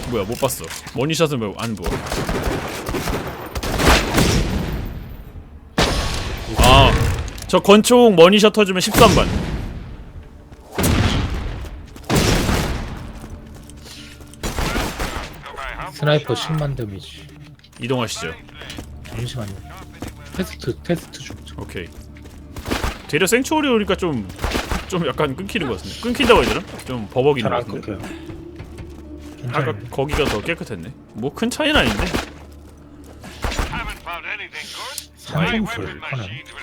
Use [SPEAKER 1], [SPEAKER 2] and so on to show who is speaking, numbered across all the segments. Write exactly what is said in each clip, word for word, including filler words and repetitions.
[SPEAKER 1] 뭐야 못 봤어. 머니샷은 왜 안 보여? 아, 저 권총 머니샷 터지면 십삼 반.
[SPEAKER 2] 스나이퍼 십만 데미지.
[SPEAKER 1] 이동하시죠.
[SPEAKER 2] 잠시만요. 테스트 테스트 좀.
[SPEAKER 1] 오케이. 되려 생추어리 오니까 좀, 좀 약간 끊기는 것 같은데. 끊긴다고 해야 되나? 좀 버벅이는 것
[SPEAKER 2] 잘안
[SPEAKER 1] 같은데.
[SPEAKER 2] 끊겨요.
[SPEAKER 1] 아까
[SPEAKER 2] 괜찮아요.
[SPEAKER 1] 거기가 더 깨끗했네. 뭐 큰 차이는 아닌데.
[SPEAKER 2] 산성술 하나.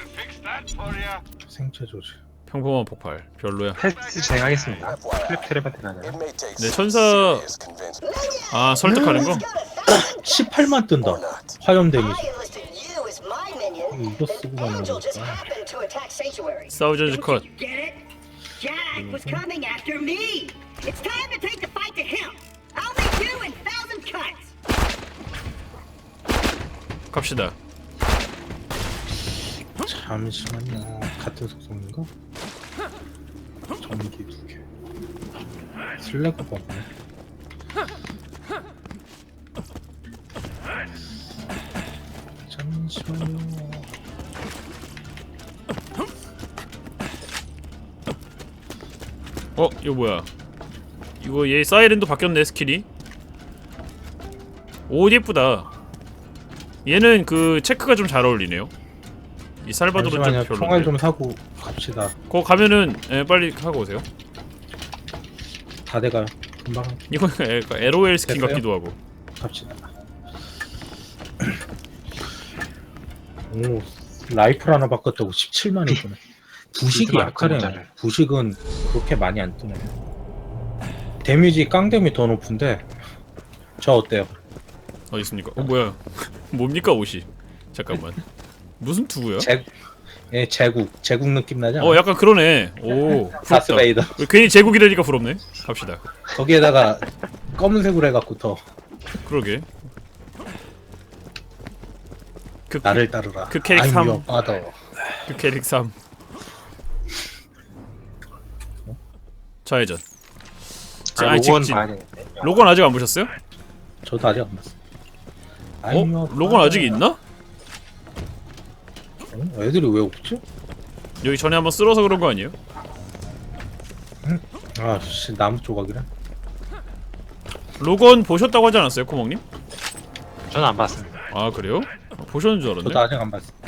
[SPEAKER 2] 생체 조절.
[SPEAKER 1] 평범한 폭발. 별로야.
[SPEAKER 3] 테스트 진행하겠습니다. 클랩 테레바트 가냐?
[SPEAKER 1] 네, 천사. 아, 설득하는 거?
[SPEAKER 2] 십팔만 뜬다. 화염 데미지. 이거 쓰고 가는 거니까.
[SPEAKER 1] 사우전즈 컷.
[SPEAKER 4] Jack was coming after me. It's time to take the fight to him. I'll make you in thousand cuts.
[SPEAKER 1] 갑시다.
[SPEAKER 2] 잠시만요. 같은 속성인가? 전기 두 개. 슬래그가 없네. 잠시만요.
[SPEAKER 1] 어, 이거 뭐야? 이거 얘 사이렌도 바뀌었네 스킬이. 옷 예쁘다. 얘는 그 체크가 좀 잘 어울리네요. 이 살바도르 좀
[SPEAKER 2] 잠시만요.
[SPEAKER 1] 별로.
[SPEAKER 2] 총알 좀 사고 갑시다.
[SPEAKER 1] 거 가면은 예, 빨리 하고 오세요.
[SPEAKER 2] 다 돼가요. 금방
[SPEAKER 1] 이거 엘오엘 스킨
[SPEAKER 2] 됐어요?
[SPEAKER 1] 같기도 하고.
[SPEAKER 2] 갑시다. 오, 라이플 하나 바꿨다고 십칠만이 뜨네. 부식이 약하네. 부식은 그렇게 많이 안 뜨네. 데미지 깡데미 더 높은데 저 어때요?
[SPEAKER 1] 어디 있습니까? 어 뭐야? 뭡니까 옷이? 잠깐만. 무슨 투구야?
[SPEAKER 2] 제, 예, 제국 제국 느낌 나지 않아?
[SPEAKER 1] 어 약간 그러네. 오 부럽다.
[SPEAKER 2] 다스베이더.
[SPEAKER 1] 괜히 제국이라니까 부럽네. 갑시다.
[SPEAKER 2] 거기에다가 검은색으로 해갖고 더
[SPEAKER 1] 그러게. 그,
[SPEAKER 2] 나를 따르라.
[SPEAKER 1] 그 캐릭
[SPEAKER 2] I'm
[SPEAKER 1] 삼.
[SPEAKER 2] your father.
[SPEAKER 1] 그 캐릭 삼. 좌회전. 자,
[SPEAKER 3] 아,
[SPEAKER 1] 아니,
[SPEAKER 3] 로건
[SPEAKER 1] 직진.
[SPEAKER 3] 봐야 되는데.
[SPEAKER 1] 로건 아직 안 보셨어요?
[SPEAKER 2] 저도 아직 안 봤어.
[SPEAKER 1] 어?
[SPEAKER 2] I'm your
[SPEAKER 1] 로건 아직
[SPEAKER 2] father.
[SPEAKER 1] 있나?
[SPEAKER 2] 어? 애들이 왜 없지?
[SPEAKER 1] 여기 전에 한번 쓸어서 그런 거 아니에요?
[SPEAKER 2] 아씨 나무 조각이라.
[SPEAKER 1] 로건 보셨다고 하지 않았어요, 코몽님?
[SPEAKER 3] 저는 안 봤습니다.
[SPEAKER 1] 아 그래요? 아, 보셨는 줄
[SPEAKER 2] 저도
[SPEAKER 1] 알았네.
[SPEAKER 2] 아직 안 봤어.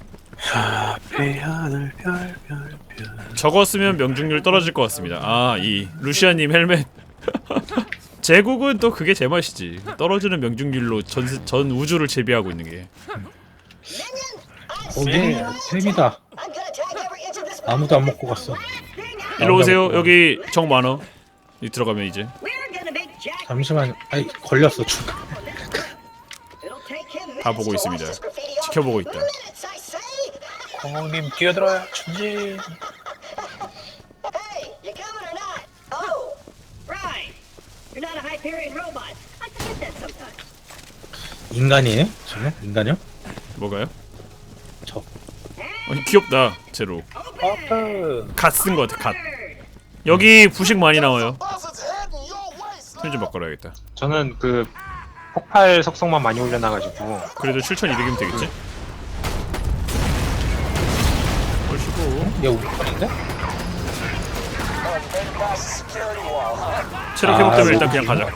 [SPEAKER 3] 하늘 별별별.
[SPEAKER 1] 저거 쓰면 명중률 떨어질 것 같습니다. 아, 이 루시아님 헬멧. 제국은 또 그게 제맛이지. 떨어지는 명중률로 전, 전 우주를 제비하고 있는 게.
[SPEAKER 2] 어, 얘 템이다. 아무도 안 먹고 갔어.
[SPEAKER 1] 일로 오세요. 여기 정 많어. 이 들어가면 이제
[SPEAKER 4] We're gonna make Jack.
[SPEAKER 2] 잠시만. 아이 걸렸어 중.
[SPEAKER 4] It'll take him
[SPEAKER 1] 다 보고 있습니다. 지켜보고 있다.
[SPEAKER 3] 공홍님 뛰어들어요. 천지.
[SPEAKER 4] Hey, you coming or not? Oh, right. You're not a Hyperion robot. I forget that sometimes.
[SPEAKER 2] 인간이에요? 저는 인간이요?
[SPEAKER 1] 뭐가요?
[SPEAKER 2] 저.
[SPEAKER 1] 아니 귀엽다. 제로.
[SPEAKER 3] 아프.
[SPEAKER 1] 갓 쓴 거 같아. 갓. 여기 부식 많이 나와요. 손 좀 바꿔야겠다.
[SPEAKER 3] 저는 그 폭발 속성만 많이 올려놔가지고.
[SPEAKER 1] 그래도 칠천이백이면 되겠지? 얼씨구.
[SPEAKER 2] 얘 우리 편인데?
[SPEAKER 1] 체력
[SPEAKER 2] 아,
[SPEAKER 1] 회복되면 일단
[SPEAKER 2] 뭐.
[SPEAKER 1] 그냥 가자.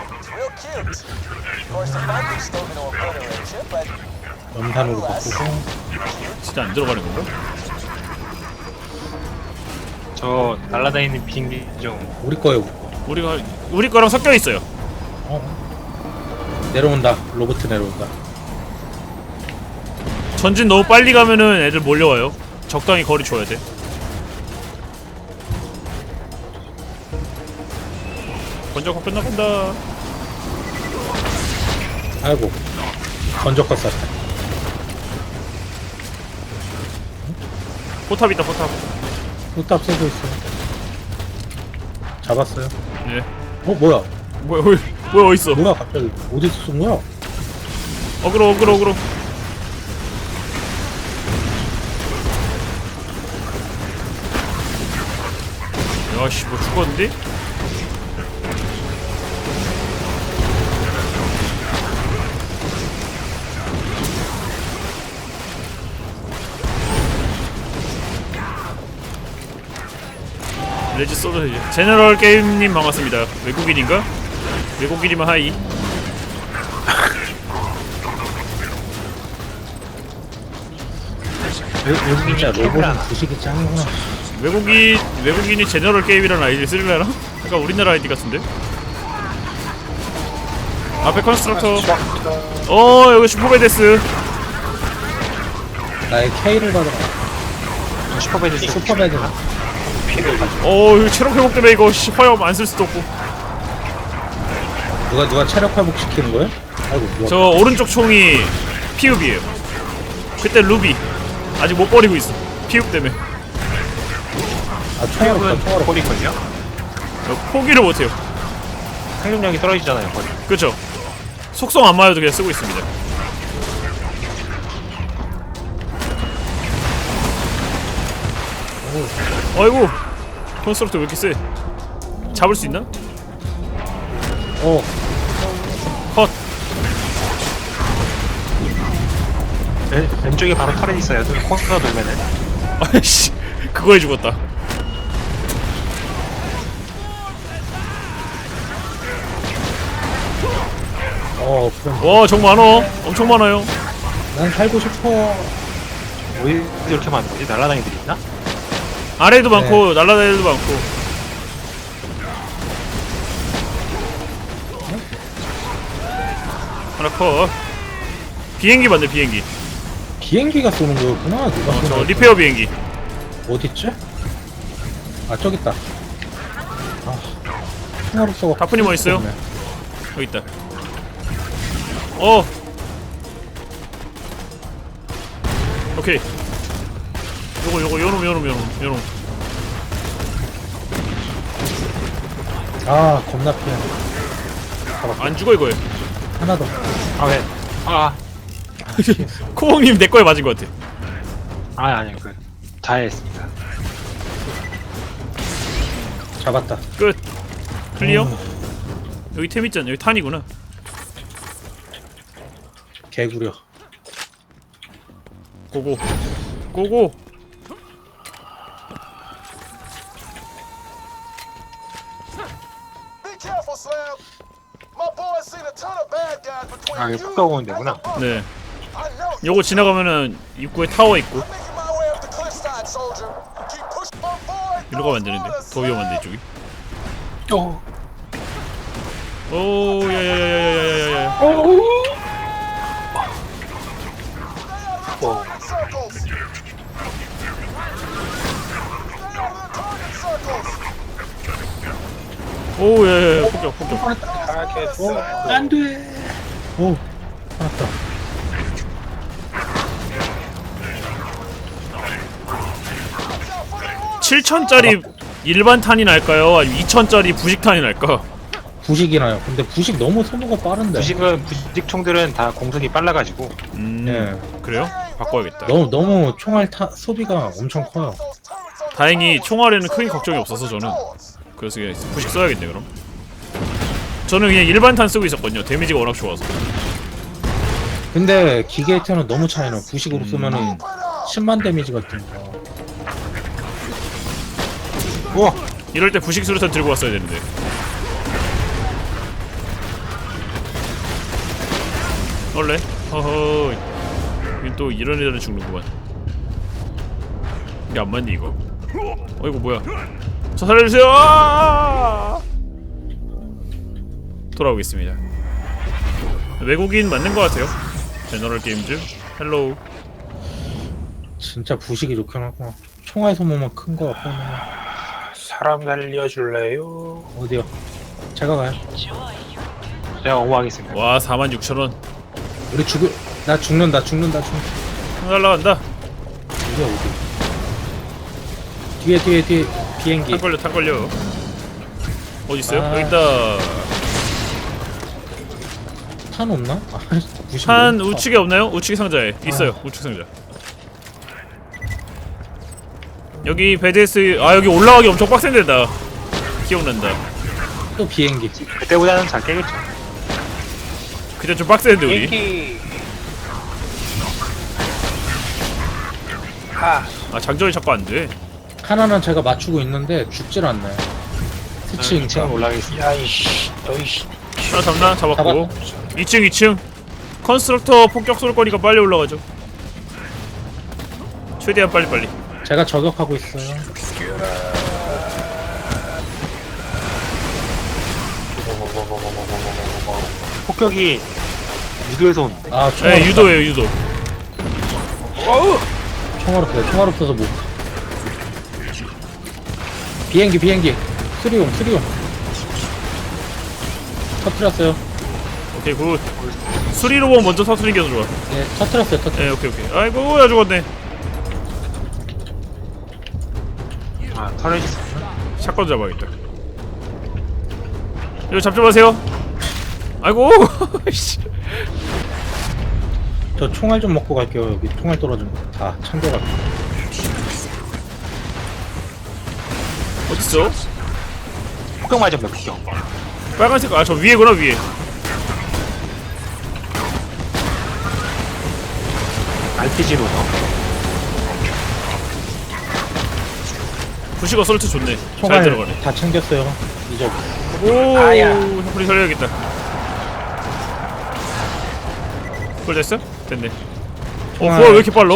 [SPEAKER 2] 염산으로 바꾸고.
[SPEAKER 1] 진짜 안 들어가는 건가?
[SPEAKER 3] 저 날라다니는 비행기 좀.
[SPEAKER 2] 우리 거예요. 우리 거.
[SPEAKER 1] 우리가 우리 거랑 섞여 있어요.
[SPEAKER 2] 어. 내려온다. 로봇 내려온다.
[SPEAKER 1] 전진 너무 빨리 가면은 애들 몰려와요. 적당히 거리 줘야 돼. 먼저 거 끝나간다.
[SPEAKER 2] 아이고. 건져 껐어.
[SPEAKER 1] 포탑 있다 포탑.
[SPEAKER 2] 포탑 쏘고 있어. 잡았어요.
[SPEAKER 1] 예.
[SPEAKER 2] 어 뭐야?
[SPEAKER 1] 뭐야 뭐야 뭐야 어딨어?
[SPEAKER 2] 뭐야 갑자기 어디서 쏜 거야?
[SPEAKER 1] 어그로 어그로 어그로. 야씨 뭐 죽었는데? 레지 써줘야지. 제너럴 게임님 반갑습니다. 외국인인가? 외국인이면 하이.
[SPEAKER 3] 외국인이
[SPEAKER 2] 진짜
[SPEAKER 3] 캡을
[SPEAKER 2] 로봇은
[SPEAKER 3] 하나.
[SPEAKER 2] 부식이 짱이구나.
[SPEAKER 1] 외국인 외국인이 제너럴 게임이라는 아이디를 쓰려나? 약간 우리나라 아이디 같은데. 앞에 컨스트럭터. 어 여기 슈퍼베데스.
[SPEAKER 2] 나의 K를 받아라.
[SPEAKER 3] 슈퍼배드
[SPEAKER 2] 슈퍼배드.
[SPEAKER 3] 피를 가지고.
[SPEAKER 1] 어 이거 체력 회복 때문에 이거 씨, 화염 안 쓸 수도 없고.
[SPEAKER 2] 누가 누가 체력 회복 시키는 거야? 아이고 누가.
[SPEAKER 1] 저 오른쪽 총이 피읍이에요. 그때 루비 아직 못 버리고 있어. 피읍 때문에.
[SPEAKER 2] 아 총알 없다 총알 없다.
[SPEAKER 3] 꼬리걸요?
[SPEAKER 1] 저 포기를 못해요.
[SPEAKER 3] 생존력이 떨어지잖아요, 거리.
[SPEAKER 1] 그렇죠. 속성 안 맞아도 그냥 쓰고 있습니다. 어이구 콘스트럭터 왜 이렇게 세? 잡을 수 있나?
[SPEAKER 2] 어
[SPEAKER 1] 컷.
[SPEAKER 3] 왼, 왼쪽에 바로 터렛 있어요. 코스가 돌면은.
[SPEAKER 1] 아이씨 그거에 죽었다.
[SPEAKER 2] 어 그럼
[SPEAKER 1] 와정 많어. 엄청 많아요.
[SPEAKER 2] 난 살고 싶어.
[SPEAKER 3] 왜 이렇게 많은 거지? 날라다니들이 있나?
[SPEAKER 1] 아래도 많고 날라다니도 많고. 하나 컷. 비행기 맞네 비행기.
[SPEAKER 2] 비행기가 쏘는 거였구나. 누가
[SPEAKER 1] 어,
[SPEAKER 2] 쏘는
[SPEAKER 1] 저
[SPEAKER 2] 거야?
[SPEAKER 1] 리페어 비행기.
[SPEAKER 2] 어딨지? 아 저기 있다. 아 총알 없어.
[SPEAKER 1] 다프님 어디 있어요? 여기 있다. 어. 오케이. 요거 요거 요놈 요놈 요놈 요놈.
[SPEAKER 2] 아 겁나 피해.
[SPEAKER 1] 안 죽어 이거에.
[SPEAKER 2] 하나 더.
[SPEAKER 3] 아, 왜? 아,
[SPEAKER 1] 코봉님 내 거에 맞은 것 같아.
[SPEAKER 3] 아, 아니요. 그, 자해했습니다.
[SPEAKER 2] 잡았다.
[SPEAKER 1] 끝. 클리어.
[SPEAKER 2] 음.
[SPEAKER 1] 여기 템 있잖아. 여기 탄이구나.
[SPEAKER 2] 개구려.
[SPEAKER 1] 고고. 고고.
[SPEAKER 5] Be careful, Slam. My boys seen a ton of bad guys between
[SPEAKER 3] 아,
[SPEAKER 5] you
[SPEAKER 3] 이거 푹 가고 오는
[SPEAKER 5] and
[SPEAKER 3] 데구나.
[SPEAKER 5] the
[SPEAKER 1] 네.
[SPEAKER 5] I know you.
[SPEAKER 1] 요거 지나가면은 입구에 타워 있고.
[SPEAKER 5] I'm making my way up the cliffside, soldier. Keep pushing my boy.
[SPEAKER 1] 이리로 가면 안 되는데. 더 위험한데 이쪽이.
[SPEAKER 3] 어.
[SPEAKER 1] 오 야야야야야야야야.
[SPEAKER 3] 어.
[SPEAKER 5] Target circles. Stay out of the target circles.
[SPEAKER 1] 오 야야야 폭격 폭격.
[SPEAKER 2] 안돼. 오 살았다.
[SPEAKER 1] 칠천짜리 일반 탄이 날까요? 아니면 이천짜리 부식 탄이 날까?
[SPEAKER 2] 부식이 나요. 근데 부식 너무 소모가 빠른데.
[SPEAKER 3] 부식은, 부식 총들은 다 공속이 빨라가지고.
[SPEAKER 1] 음
[SPEAKER 2] 예.
[SPEAKER 1] 그래요? 바꿔야겠다.
[SPEAKER 2] 너무 너무 총알 타 소비가 엄청 커요.
[SPEAKER 1] 다행히 총알에는 크게 걱정이 없어서 저는 그래서 그냥 부식 써야겠네 그럼. 저는 그냥 일반 탄 쓰고 있었거든요. 데미지가 워낙 좋아서.
[SPEAKER 2] 근데 기계이터는 너무 차이나. 부식으로 쓰면은 십만 데미지가 뜬다.
[SPEAKER 3] 우와!
[SPEAKER 1] 이럴 때 부식 수류탄 들고 왔어야 되는데. 원래 허허 이건 또 이런 애들은 죽는구만. 이게 안 맞니 이거? 어 이거 뭐야? 저 살려주세요! 아! 돌아오겠습니다. 외국인 맞는 것 같아요. 제너럴 게임즈 헬로우.
[SPEAKER 2] 진짜 부식이 좋긴 하구나. 총알 소모만 큰 거 같고.
[SPEAKER 3] 사람 살려줄래요?
[SPEAKER 2] 어디요? 제가 가요.
[SPEAKER 3] 제가 어머하겠습니다.
[SPEAKER 1] 와 사만 육천 원.
[SPEAKER 2] 우리 죽을 나 죽는다 죽는다 죽.
[SPEAKER 1] 날라간다.
[SPEAKER 2] 어디야 어디? 뒤에 뒤에 뒤에 비행기.
[SPEAKER 1] 탄 걸려 탄 걸려. 어디 있어요?
[SPEAKER 2] 아.
[SPEAKER 1] 여기 있다.
[SPEAKER 2] 탄 없나? 아, 부식
[SPEAKER 1] 탄
[SPEAKER 2] 너무
[SPEAKER 1] 우측에 없나요? 우측 상자에 있어요. 우측 상자. 여기 베데스 아 여기 올라가기 엄청 빡센 데다. 기억난다.
[SPEAKER 2] 커. 또 비행기.
[SPEAKER 3] 그때보다는 잘 깨겠죠.
[SPEAKER 1] 그때 좀 빡센데 우리.
[SPEAKER 3] 비행기! 아,
[SPEAKER 1] 아 장전이 자꾸 안 돼.
[SPEAKER 2] 하나는 제가 맞추고 있는데 죽질 않네. 스치니까.
[SPEAKER 3] 이 층 올라가겠습니다.
[SPEAKER 6] 야이씨 너이씨
[SPEAKER 1] 하나 잡나? 잡았고.
[SPEAKER 2] 잡았다.
[SPEAKER 1] 이 층 이 층. 컨스트럭터 폭격 쏠 거니까 빨리 올라가죠. 최대한 빨리 빨리.
[SPEAKER 2] 제가 저격하고 있어요.
[SPEAKER 3] 폭격이 유도에서 온.
[SPEAKER 2] 아 총알
[SPEAKER 1] 네,
[SPEAKER 2] 없다.
[SPEAKER 1] 유도예요 유도.
[SPEAKER 2] 총알 없어요. 총알 없어서 못. 비행기 비행기. 수리용 수리용. 터트렸어요.
[SPEAKER 1] 오케이 굿. 수리로봇 먼저 터트리는 게 더 좋아.
[SPEAKER 2] 예, 터트렸어요. 터트.
[SPEAKER 1] 네 오케이 오케이. 아이고 나 죽었네.
[SPEAKER 3] 아 터렛이
[SPEAKER 1] 샷건 잡아야겠다. 이거 잡지 마세요. 아이고 씨.
[SPEAKER 2] 저 총알 좀 먹고 갈게요. 여기 총알 떨어진 거 다 챙겨갈게요.
[SPEAKER 1] 어딨어?
[SPEAKER 3] 폭격 맞았네 폭격.
[SPEAKER 1] 빨간색 아 저 위에구나 위에.
[SPEAKER 3] 알피지로 넣어.
[SPEAKER 1] 부시가 솔트 좋네. 잘
[SPEAKER 2] 총알
[SPEAKER 1] 들어가네.
[SPEAKER 2] 다 챙겼어요. 이제
[SPEAKER 1] 오,
[SPEAKER 3] 아야.
[SPEAKER 1] 샤프리 살려야겠다. 그걸 됐어? 됐네. 어,
[SPEAKER 2] 총알.
[SPEAKER 1] 부하 왜 이렇게 빨라?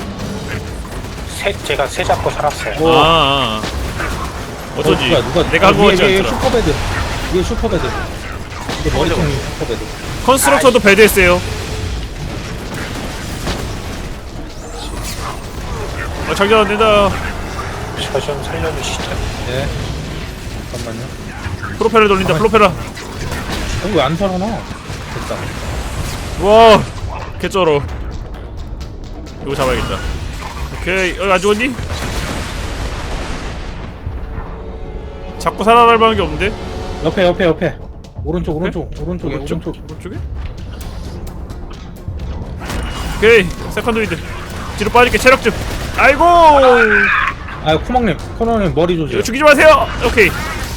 [SPEAKER 6] 새, 제가 새 잡고 살았어요.
[SPEAKER 2] 오.
[SPEAKER 1] 아, 아, 아. 어쩐지.
[SPEAKER 2] 어, 누가, 누가,
[SPEAKER 1] 내가 한 거
[SPEAKER 2] 위에,
[SPEAKER 1] 같지
[SPEAKER 2] 위에
[SPEAKER 1] 않더라.
[SPEAKER 2] 슈퍼배드. 위에 슈퍼배드. 이게 머리통이 슈퍼배드.
[SPEAKER 1] 컨스트럭터도 배드했어요. 아, 장전 안 된다.
[SPEAKER 6] 저 좀 살려주시죠.
[SPEAKER 2] 네. 잠깐만요.
[SPEAKER 1] 프로펠러 돌린다, 프로펠러.
[SPEAKER 2] 어, 왜 안 살아나? 됐다.
[SPEAKER 1] 와, 개쩔어. 이거 잡아야겠다. 오케이, 어, 안 죽었니? 자꾸 살아날 만한 게 없는데?
[SPEAKER 2] 옆에, 옆에, 옆에. 오른쪽, 오른쪽, 오른쪽에, 오른쪽.
[SPEAKER 1] 오른쪽에? 오케이, 세컨드 위드. 뒤로 빠질게, 체력 좀. 아이고!
[SPEAKER 2] 아, 코막님, 코너님 머리 조심.
[SPEAKER 1] 이거 죽이지 마세요! 오케이.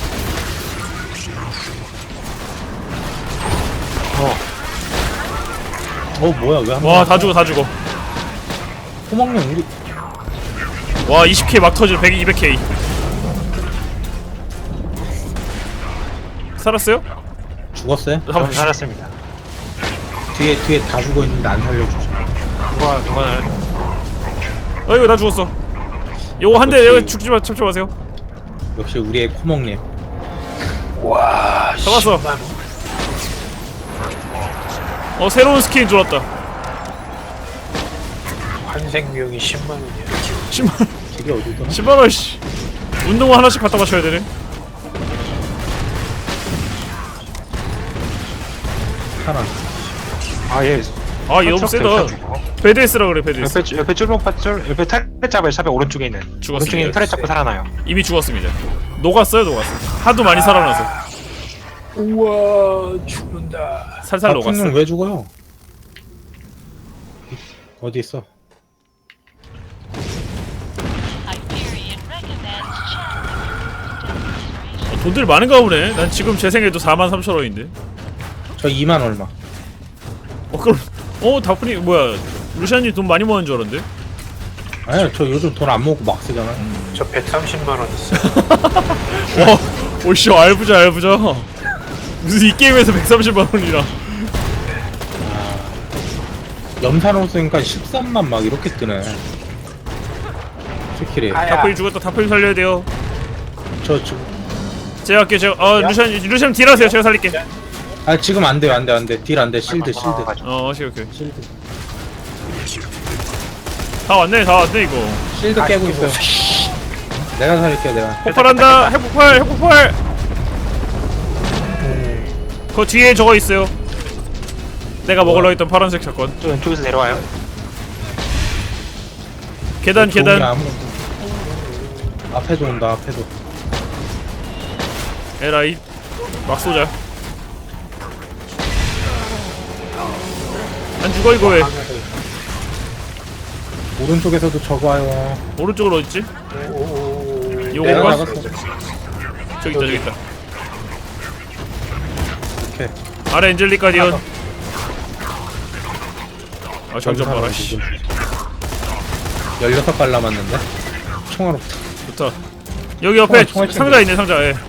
[SPEAKER 2] 어, 뭐야, 왜 한
[SPEAKER 1] 와, 다 죽어, 다 죽어.
[SPEAKER 2] 코막님, 우리.
[SPEAKER 1] 와, 이십 케이 막 터지네. 백, 이백 케이. 살았어요?
[SPEAKER 2] 죽었어요?
[SPEAKER 3] 저는 살았습니다.
[SPEAKER 2] 뒤에, 뒤에 다 죽어 있는데 안 살려주죠.
[SPEAKER 3] 누가 누가
[SPEAKER 1] 어이구, 나 죽었어. 요거 한 대, 여기 죽지 마, 잡지 마세요.
[SPEAKER 2] 역시 우리의 코막님.
[SPEAKER 6] 와
[SPEAKER 1] 잡았어.
[SPEAKER 6] 십만 원.
[SPEAKER 1] 어, 새로운 스킨 들어왔다.
[SPEAKER 6] 환생비용이 십만 원이야.
[SPEAKER 1] 십만 원,
[SPEAKER 2] 되게 어디더라?
[SPEAKER 1] 십만 원, 씨. 운동화 하나씩 갖다 맞춰야 되네.
[SPEAKER 2] 하나.
[SPEAKER 3] 아 예.
[SPEAKER 1] 아, 얘 너무 세다. 배드에스라 그래, 배드에스.
[SPEAKER 3] 옆에 옆에 쫄목 쫄 옆에 털렛 잡아요. 샵에 오른쪽에 있는.
[SPEAKER 1] 죽었습니다.
[SPEAKER 3] 오른쪽에 있는 털렛 잡고 살아나요.
[SPEAKER 1] 이미 죽었습니다. 녹았어요, 녹았어. 하도 많이 살아나서.
[SPEAKER 6] 우와 죽는다.
[SPEAKER 1] 살살 녹았어.
[SPEAKER 2] 박훈님 왜 죽어요? 어디 있어?
[SPEAKER 7] Hyperion recommends
[SPEAKER 1] 어, 돈들 많은가 보네. 난 지금 제 생에도 사만 삼천 원인데.
[SPEAKER 2] 저 이만 얼마.
[SPEAKER 1] 어, 그럼, 어, 다프니, 뭐야. 루시안님 돈 많이 모은 줄 알았는데?
[SPEAKER 2] 아니요, 저 요즘 돈 안 모으고 막 쓰잖아.
[SPEAKER 6] 저 백삼십만 원 있어요.
[SPEAKER 1] 와, 오씨, 알부자, 알부자. 무슨 이 게임에서 백삼십만 원이라.
[SPEAKER 2] 염산호 쓰니까 십삼만 막 이렇게 뜨네. 스킬이.
[SPEAKER 6] 아야.
[SPEAKER 1] 다프니 죽었다. 다프니 살려야 돼요.
[SPEAKER 2] 저 지금.
[SPEAKER 1] 제가 할게요. 제가, 어, 루시안, 루시안 딜하세요. 제가 살릴게.
[SPEAKER 2] 아, 지금 안 돼요, 안 돼, 안 돼. 딜 안 돼. 실드, 실드.
[SPEAKER 1] 어, 오케이, 오케이.
[SPEAKER 2] 실드.
[SPEAKER 1] 다 왔네, 다 왔네, 이거.
[SPEAKER 2] 실드 깨고 있어요. 내가 살릴게요, 내가.
[SPEAKER 1] 폭발한다. 핵폭발, 핵폭발. 그 뒤에 저거 있어요. 내가 먹으려 했던 파란색 사건.
[SPEAKER 3] 저 왼쪽에서 내려와요.
[SPEAKER 1] 계단,
[SPEAKER 2] 좋은
[SPEAKER 1] 계단.
[SPEAKER 2] 게 아무것도. 앞에도 온다, 앞에도.
[SPEAKER 1] 에라이. 막 쏘자. 안 죽어, 이거 왜?
[SPEAKER 2] 오른쪽에서도 저거 와요.
[SPEAKER 1] 오른쪽으로 어딨지?
[SPEAKER 2] 내가
[SPEAKER 1] 요건가?
[SPEAKER 2] 나갔어.
[SPEAKER 1] 저기 있다, 저기 있다.
[SPEAKER 2] 오케이.
[SPEAKER 1] 아래 엔젤릭 가디언. 아, 장전 봐라, 씨.
[SPEAKER 2] 열여섯 발 남았는데? 총알 없다.
[SPEAKER 1] 좋다. 여기 옆에
[SPEAKER 2] 총알, 총알
[SPEAKER 1] 상자 있네 상자. 예.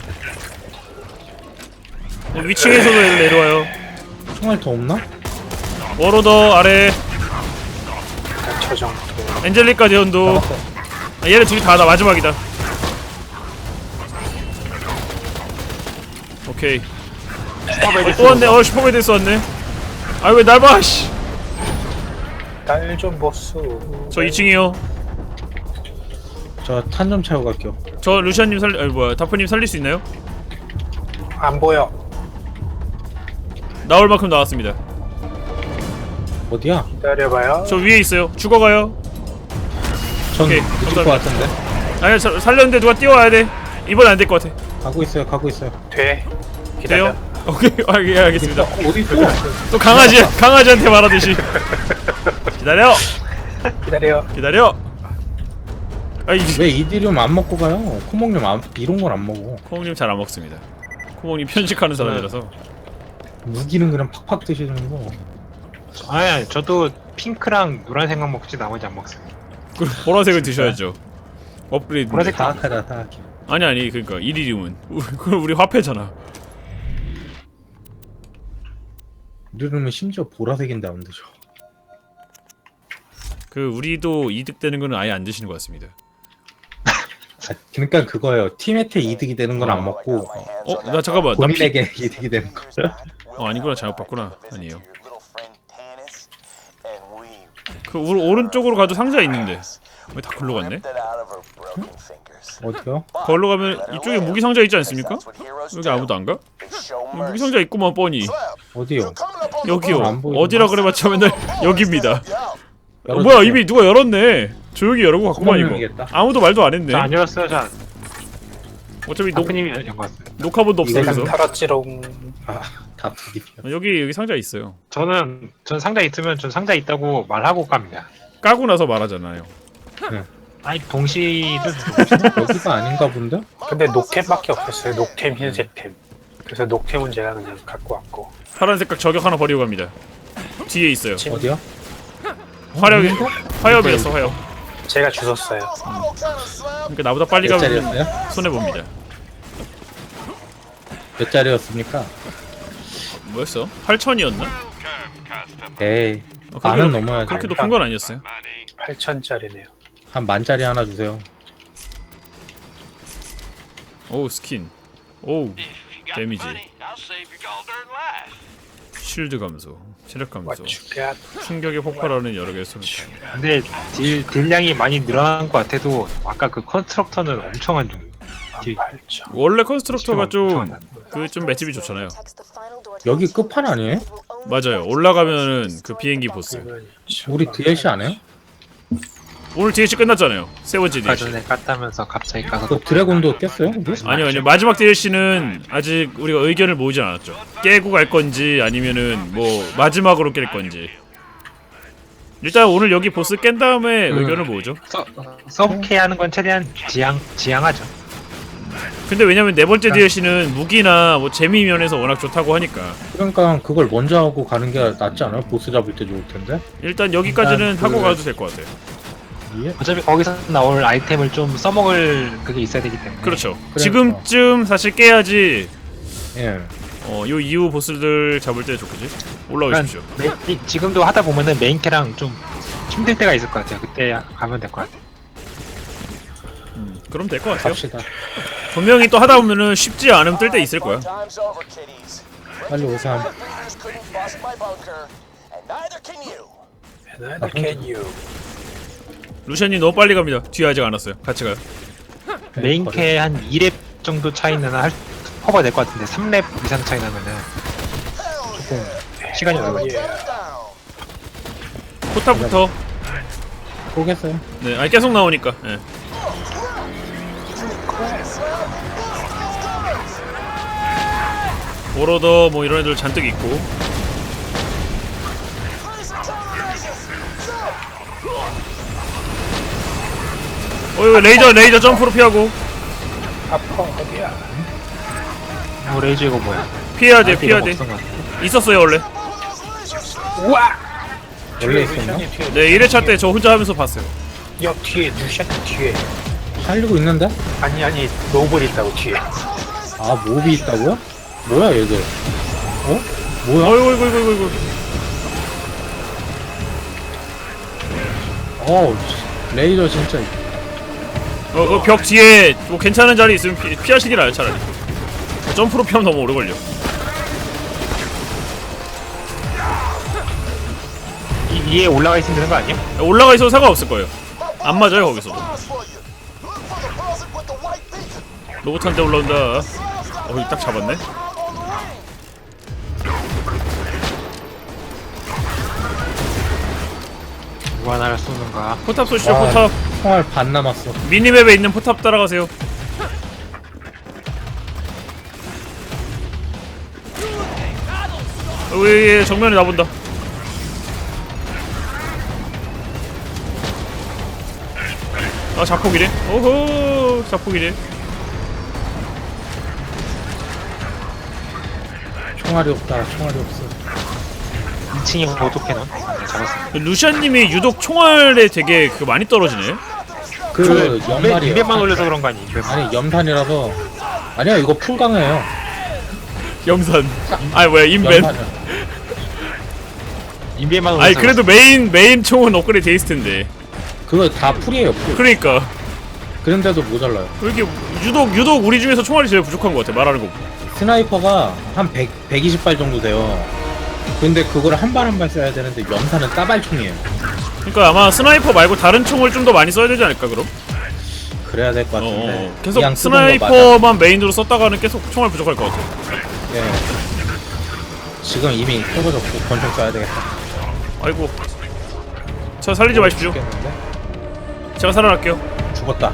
[SPEAKER 1] 어, 위층에서도 애들 내려와요.
[SPEAKER 2] 총알 더 없나?
[SPEAKER 1] 워로더 아래.
[SPEAKER 6] 일단 저 정도.
[SPEAKER 1] 엔젤리카 대원도. 아, 얘네 둘이 다다 마지막이다. 오케이. 어, 또 왔네. 어 슈퍼베이스 왔네. 아 왜 날 봐? 씨.
[SPEAKER 6] 딸좀 보수.
[SPEAKER 1] 저 이 층이요.
[SPEAKER 2] 저 탄 좀 채워 갈게요.
[SPEAKER 1] 저 루시안님 살, 아니 뭐야 다프님 살릴 수 있나요?
[SPEAKER 6] 안 보여.
[SPEAKER 1] 나올 만큼 나왔습니다.
[SPEAKER 2] 어디야?
[SPEAKER 6] 기다려봐요.
[SPEAKER 1] 저 위에 있어요. 죽어가요.
[SPEAKER 2] 전
[SPEAKER 1] 오케이,
[SPEAKER 2] 늦을 것 같은데.
[SPEAKER 1] 아니 저, 살렸는데 누가 뛰어와야 돼. 이번 안 될 것 같아.
[SPEAKER 2] 가고 있어요. 가고 있어요.
[SPEAKER 6] 돼. 기다려.
[SPEAKER 1] 돼요? 오케이, 아, 예, 알겠습니다.
[SPEAKER 2] 어디 있어?
[SPEAKER 1] 또 강아지 강아지한테 말하듯이. 기다려,
[SPEAKER 6] 기다려.
[SPEAKER 1] 기다려. 아이
[SPEAKER 2] 왜 이디륨 안 먹고 가요? 코목륨 안, 이런 걸 안 먹어.
[SPEAKER 1] 코몽님 잘 안 먹습니다. 코몽님 편식하는 사람이라서.
[SPEAKER 2] 무기는 그냥 팍팍 드시는 거.
[SPEAKER 3] 아니, 아니 저도 핑크랑 노란색만 먹지 나머지 안 먹어요.
[SPEAKER 1] 그럼 보라색을 드셔야죠. 업그레이드.
[SPEAKER 3] 보라색 다
[SPEAKER 2] 사악하다 사악해.
[SPEAKER 1] 아니 아니 그러니까 이리듐은 그럼 우리 화폐잖아.
[SPEAKER 2] 이디륨은 심지어 보라색인데 안 드셔.
[SPEAKER 1] 그 우리도 이득되는 거는 아예 안 드시는 것 같습니다.
[SPEAKER 2] 아, 그러니까 그거예요. 팀한테 이득이 되는 건 안 먹고
[SPEAKER 1] 어? 나 잠깐만. 나 피...
[SPEAKER 2] 본인에게 이득이 되는 거.
[SPEAKER 1] 어 아니구나 잘못 봤구나. 아니에요. 그 오, 오른쪽으로 가도 상자 있는데 왜 다 글로 갔네?
[SPEAKER 2] 어디요?
[SPEAKER 1] 걸로 가면 이쪽에 무기 상자 있지 않습니까? 여기 아무도 안 가? 여기 무기 상자 있구만 뻔히.
[SPEAKER 2] 어디요?
[SPEAKER 1] 여기요.
[SPEAKER 2] 안 보이구나.
[SPEAKER 1] 어디라 그래봤자 맨날 여기입니다. 어,
[SPEAKER 2] 열어주세요.
[SPEAKER 1] 뭐야 이미 누가 열었네. 조용히 열고 갔구만 이거.
[SPEAKER 2] 구멍이겠다.
[SPEAKER 1] 아무도 말도 안 했네.
[SPEAKER 3] 저안 열었어요. 저
[SPEAKER 1] 어차피 녹,
[SPEAKER 3] 다프님이 연 거 같어요.
[SPEAKER 1] 녹화본도 없어
[SPEAKER 2] 이거
[SPEAKER 1] 그래서.
[SPEAKER 6] 털었지롱.
[SPEAKER 2] 아, 다 부딪혀.
[SPEAKER 1] 여기 여기 상자 있어요.
[SPEAKER 3] 저는 전 상자 있으면 전 상자 있다고 말하고 갑니다.
[SPEAKER 1] 까고 나서 말하잖아요.
[SPEAKER 3] 아니 동시들
[SPEAKER 2] 여기가 아닌가 본데?
[SPEAKER 6] 근데 녹템밖에 없었어요. 녹템, 흰색템. 그래서 녹템은 제가 그냥 갖고 왔고.
[SPEAKER 1] 파란 색깔 저격 하나 버리고 갑니다. 뒤에 있어요.
[SPEAKER 2] 어디야?
[SPEAKER 1] 화력이
[SPEAKER 2] 어,
[SPEAKER 1] 화염이었어 화염.
[SPEAKER 6] 제가 주웠어요.
[SPEAKER 1] 그러니까 나보다 빨리
[SPEAKER 2] 몇
[SPEAKER 1] 가면
[SPEAKER 2] 짜리였어요?
[SPEAKER 1] 손해 봅니다.
[SPEAKER 2] 몇 짜리였습니까?
[SPEAKER 1] 뭐였어? 팔천이었나?
[SPEAKER 2] 에이,
[SPEAKER 1] 어,
[SPEAKER 2] 만은
[SPEAKER 1] 높-
[SPEAKER 2] 넘어야지.
[SPEAKER 1] 그렇게 높은 건 아니었어요.
[SPEAKER 6] 팔천짜리네요.
[SPEAKER 2] 한 만짜리 하나 주세요.
[SPEAKER 1] 오우 스킨. 오우 데미지. 쉴드 감소, 체력 감소,
[SPEAKER 6] 맞추가.
[SPEAKER 1] 충격에 폭발하는 여러 개의 소리탄.
[SPEAKER 3] 근데 딜 딜량이 많이 늘어난 것 같아도 아까 그 컨스트럭터는 엄청 안 좋아요. 딜
[SPEAKER 6] 팔천.
[SPEAKER 1] 원래 컨스트럭터가 좀
[SPEAKER 3] 엄청
[SPEAKER 1] 그 좀 맷집이 좋잖아요.
[SPEAKER 2] 여기 끝판 아니에요?
[SPEAKER 1] 맞아요. 올라가면은 그 비행기 보스.
[SPEAKER 2] 우리 디엘씨 안 해요?
[SPEAKER 1] 오늘 디엘씨 끝났잖아요. 세 번째
[SPEAKER 3] 아까
[SPEAKER 1] 디엘씨.
[SPEAKER 3] 전에 깠다면서 갑자기 가서
[SPEAKER 2] 그 드래곤도 깼어요? 우리?
[SPEAKER 1] 아니요 아니요 마지막 디엘씨는 아직 우리가 의견을 모으지 않았죠. 깨고 갈 건지 아니면은 뭐 마지막으로 깰 건지. 일단 오늘 여기 보스 깬 다음에
[SPEAKER 3] 음.
[SPEAKER 1] 의견을 모으죠.
[SPEAKER 3] 서, 서브케 하는 건 최대한 지양 지양하죠.
[SPEAKER 1] 근데 왜냐면 네 번째 디엘씨는 무기나 뭐 재미 면에서 워낙 좋다고 하니까
[SPEAKER 2] 그러니까 그걸 먼저 하고 가는 게 낫지 않아요? 보스 잡을 때 좋을 텐데.
[SPEAKER 1] 일단 여기까지는
[SPEAKER 2] 일단
[SPEAKER 1] 하고
[SPEAKER 2] 그-
[SPEAKER 1] 가도 될 것 같아요.
[SPEAKER 2] 예?
[SPEAKER 3] 어차피 거기서 나올 아이템을 좀 써먹을 그게 있어야 되기 때문에.
[SPEAKER 1] 그렇죠.
[SPEAKER 2] 그러니까.
[SPEAKER 1] 지금쯤 사실 깨야지
[SPEAKER 2] 예.
[SPEAKER 1] 어, 요 이후 보스들 잡을 때 좋겠지? 올라오십시오.
[SPEAKER 3] 그러니까 메, 이- 지금도 하다 보면은 메인캐랑 좀 힘들 때가 있을 것 같아요. 그때 가면 될 것 같아요.
[SPEAKER 1] 음, 그럼 될 것 같아요.
[SPEAKER 2] 갑시다.
[SPEAKER 1] 분명히 또 하다 보면은 쉽지 않으면 뜰 때 있을 거야.
[SPEAKER 5] Time's over, kiddies.
[SPEAKER 2] 빨리 오삼.
[SPEAKER 5] Predators couldn't bust my bunker, and neither can you.
[SPEAKER 6] Neither can you.
[SPEAKER 1] 루시안님 너무 빨리 갑니다. 뒤에 아직 안 왔어요. 같이 가요.
[SPEAKER 3] 메인캐 한 이 렙 정도 차이는 할 커버 될 것 같은데 삼 렙 이상 차이 나면은 조금 시간이 오래 걸려.
[SPEAKER 5] Down.
[SPEAKER 1] 포탑부터.
[SPEAKER 2] 보겠어요.
[SPEAKER 1] 네, 아니 계속 나오니까. 예. 오로더 뭐 이런 애들 잔뜩 있고. 어 이거 레이저 레이저 점프로 피하고
[SPEAKER 6] 아파 어디야?
[SPEAKER 3] 뭐 레이저 이거 뭐야?
[SPEAKER 1] 피해야 돼
[SPEAKER 3] 아,
[SPEAKER 1] 피해야
[SPEAKER 3] 이거
[SPEAKER 1] 돼.
[SPEAKER 3] 없던 것 같아.
[SPEAKER 1] 있었어요 원래.
[SPEAKER 6] 우와!
[SPEAKER 2] 원래 있었나?
[SPEAKER 6] 뒤에 뒤에
[SPEAKER 1] 네 일 회차 때 저 혼자 하면서 봤어요.
[SPEAKER 6] 옆 뒤에 루시안 뒤에.
[SPEAKER 2] 살리고 있는데?
[SPEAKER 6] 아니 아니 노블이 있다고 뒤에.
[SPEAKER 2] 아 몹이 있다고요? 뭐야 얘들? 어? 뭐야?
[SPEAKER 1] 어이구 이구 이구 이구.
[SPEAKER 2] 어우 레이저 진짜.
[SPEAKER 1] 어그 벽 뒤에 뭐 괜찮은 자리 있으면 피, 피하시길 나요 차라리. 점프로 피하면 너무 오래 걸려.
[SPEAKER 3] 이, 위에 올라가 있으면 되는 거 아니야?
[SPEAKER 1] 올라가 있어도 상관없을 거예요. 안 맞아요 거기서.
[SPEAKER 5] Eyes for you. Look for the buzzard with the white beacon.
[SPEAKER 1] 로봇한테 올라온다. 어, 이거 딱 잡았네.
[SPEAKER 3] 누가 나를 쏘는가?
[SPEAKER 1] 포탑 쏘시죠
[SPEAKER 2] 아,
[SPEAKER 1] 포탑.
[SPEAKER 2] 총알 반 남았어.
[SPEAKER 1] 미니맵에 있는 포탑 따라가세요. 어, 왜, 예, 정면에 나본다. 아 자폭이래. 오호 자폭이래.
[SPEAKER 2] 총알이 없다. 총알이 없어.
[SPEAKER 3] 이 층이 오토캐논? 네, 잡았습니다.
[SPEAKER 1] 루시안님이 유독 총알에 되게 그 많이 떨어지네.
[SPEAKER 2] 그 연말이에요.
[SPEAKER 3] 이백만 올려서 그런 거 아니? 이백만.
[SPEAKER 2] 아니 염탄이라서. 아니야 이거 풀강해요.
[SPEAKER 1] 염산. 아니 뭐야 인벤.
[SPEAKER 2] 연탄이야.
[SPEAKER 3] 이백만 올려서.
[SPEAKER 1] 아니 그래도 메인 메인 총은 업그레이드 돼 있을 텐데.
[SPEAKER 2] 그거 다 풀이에요. 풀.
[SPEAKER 1] 그러니까
[SPEAKER 2] 그런데도 모자라요.
[SPEAKER 1] 왜 이렇게 유독 유독 우리 중에서 총알이 제일 부족한 것 같아 말하는 거.
[SPEAKER 2] 스나이퍼가 한 백, 백이십 발 정도 돼요. 근데 그걸 한 발 한 발 써야 되는데 연탄은 따발총이에요.
[SPEAKER 1] 그러니까 아마 스나이퍼 말고 다른 총을 좀 더 많이 써야 되지 않을까 그럼?
[SPEAKER 2] 그래야 될 것
[SPEAKER 1] 어,
[SPEAKER 2] 같은데.
[SPEAKER 1] 어. 계속
[SPEAKER 2] 그냥 쓰던 거 맞아.
[SPEAKER 1] 스나이퍼만 메인으로 썼다가는 계속 총알 부족할 것 같아.
[SPEAKER 2] 예. 지금 이미 떨어졌고 권총 써야 되겠다.
[SPEAKER 1] 아이고. 저 살리지 마십시오.
[SPEAKER 2] 죽겠는데?
[SPEAKER 1] 제가 살아날게요.
[SPEAKER 2] 죽었다.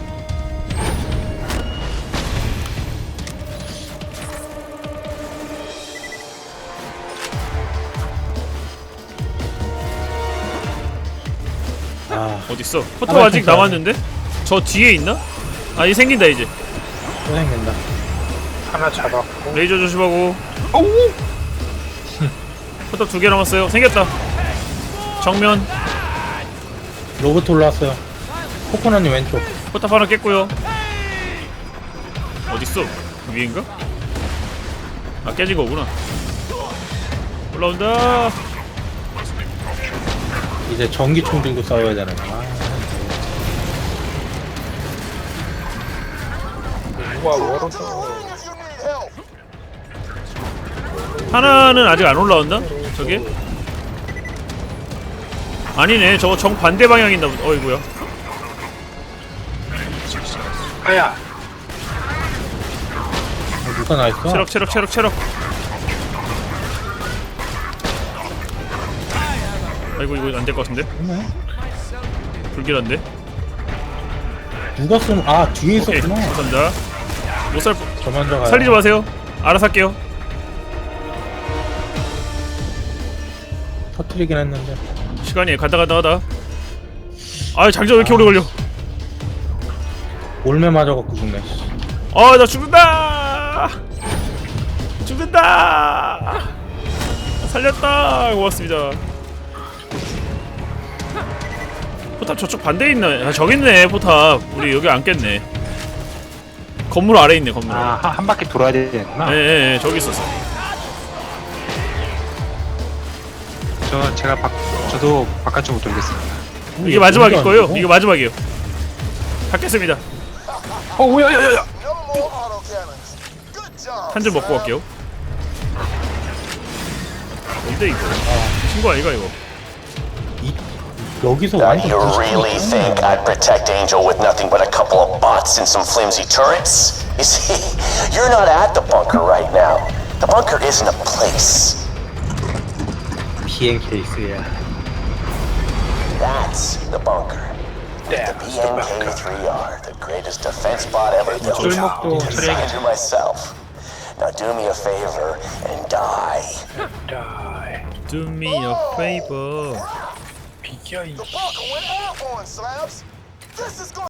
[SPEAKER 2] 아,
[SPEAKER 1] 어딨어? 포탑
[SPEAKER 2] 아,
[SPEAKER 1] 아직
[SPEAKER 2] 진짜.
[SPEAKER 1] 남았는데? 저 뒤에 있나? 아, 이 생긴다 이제.
[SPEAKER 2] 또 생긴다.
[SPEAKER 6] 하나 잡았고.
[SPEAKER 1] 레이저 조심하고. 포탑 두 개 남았어요. 생겼다. 정면.
[SPEAKER 2] 로봇 올라왔어요. 코코넛님 왼쪽.
[SPEAKER 1] 포탑 하나 깼고요. 어딨어? 그 위인가? 아 깨진 거구나. 올라온다.
[SPEAKER 2] 이제 전기총 들고 싸워야 되는 거야.
[SPEAKER 6] 누가 워로드.
[SPEAKER 5] If you need help.
[SPEAKER 1] 하나는 아직 안 올라왔나? 저게? 아니네. 저거 정 반대 방향인다. 어이구야.
[SPEAKER 6] 아야.
[SPEAKER 2] 어, 누가 나 있어?
[SPEAKER 1] 체력 체력 체력 체력. 아이고 이거 안 될 것 같은데?
[SPEAKER 2] 뭐야?
[SPEAKER 1] 불길한데?
[SPEAKER 2] 누가 쏘는? 아 뒤에
[SPEAKER 1] 오케이
[SPEAKER 2] 있었구나.
[SPEAKER 1] 감사합니다. 못살
[SPEAKER 2] 저 먼저 가요.
[SPEAKER 1] 살리지 마세요. 알아서 할게요.
[SPEAKER 2] 터트리긴 했는데.
[SPEAKER 1] 시간이 가다 가다 가다. 아 장전 왜 이렇게 오래 걸려?
[SPEAKER 2] 올매 맞아갖고 죽네.
[SPEAKER 1] 아 나 죽는다. 죽는다. 살렸다. 고맙습니다. 포탑 저쪽 반대에 있나? 아 저기 있네 포탑. 우리 여기 안 깼네. 건물 아래 있네 건물 아래.
[SPEAKER 3] 아, 한, 한 바퀴 돌아야 되겠구나.
[SPEAKER 1] 예예 예, 저기 있었어.
[SPEAKER 3] 저 제가 바, 저도 바깥쪽으로 돌겠습니다.
[SPEAKER 1] 이게 마지막일
[SPEAKER 2] 뭔지
[SPEAKER 1] 거예요.
[SPEAKER 2] 안
[SPEAKER 1] 이게 마지막이에요. 닫겠습니다.
[SPEAKER 3] 어, 뭐야, 야, 야, 야.
[SPEAKER 5] No more autocannons. Good job.
[SPEAKER 1] 한 점 먹고 갈게요. 뭔데 이거? 친구 아이가 이거?
[SPEAKER 2] 이, 여기서
[SPEAKER 8] Now
[SPEAKER 2] 완전
[SPEAKER 8] you
[SPEAKER 2] 부시고
[SPEAKER 8] really
[SPEAKER 2] 있잖아.
[SPEAKER 8] think I'd protect Angel with nothing but a couple of bots and some flimsy turrets? You see, you're not at the bunker right now. The bunker isn't a place.
[SPEAKER 2] 비행 케이스야.
[SPEAKER 8] That's the bunker. The
[SPEAKER 6] That's
[SPEAKER 8] B
[SPEAKER 6] the
[SPEAKER 8] N K
[SPEAKER 6] bunker.
[SPEAKER 8] three R, the greatest defense bot ever built.
[SPEAKER 3] 쫄목도
[SPEAKER 8] Designed
[SPEAKER 3] 처리해야겠다.
[SPEAKER 8] it myself. Now do me a favor and die.
[SPEAKER 6] Die.
[SPEAKER 1] Do me a favor.
[SPEAKER 6] 비겨 이.
[SPEAKER 5] The bunker went airborne, Slabs. This is going